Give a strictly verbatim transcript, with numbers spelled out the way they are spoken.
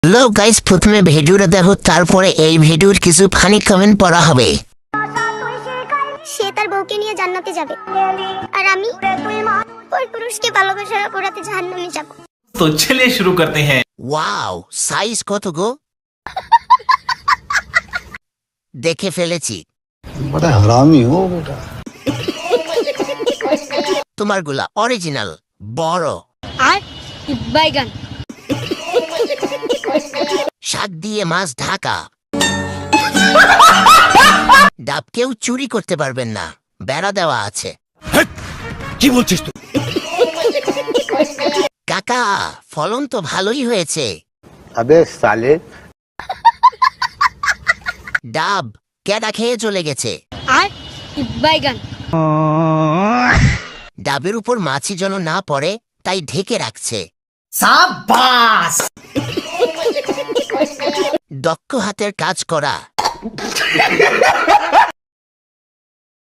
Hello guys, প্রথমে ভিডিওটা দেখো, তারপরে এই ভিডিওর কিছু ফানি কমেন্ট পড়া হবে। সে তার বউকে নিয়ে জান্নাতে যাবে আর আমি ওই পুরুষকে ভালোবাসার অপরাধে জাহান্নামে যাব। तो चलिए शुरू करते हैं। ওয়াও, সাইজ কত গো! দেখে ফেলেছি। बड़ा हरामी हो बेटा। তোমার গুলা অরিজিনাল বড়। আর বাইগান শাক দিয়ে মাছ ঢাকা। ডাব কেউ চুরি করতে পারবেন না, বেড়া দেওয়া আছে। কি বলছিস তুই? কাকা, ফলন তো ভালোই হয়েছে। अबे साले। ডাব কেডা খেয়ে চলে গেছে। আর বাইগান ডাবের উপর মাছি যেন না পড়ে, তাই ঢেকে রাখছে। দক্ষ হাতের কাজ করা।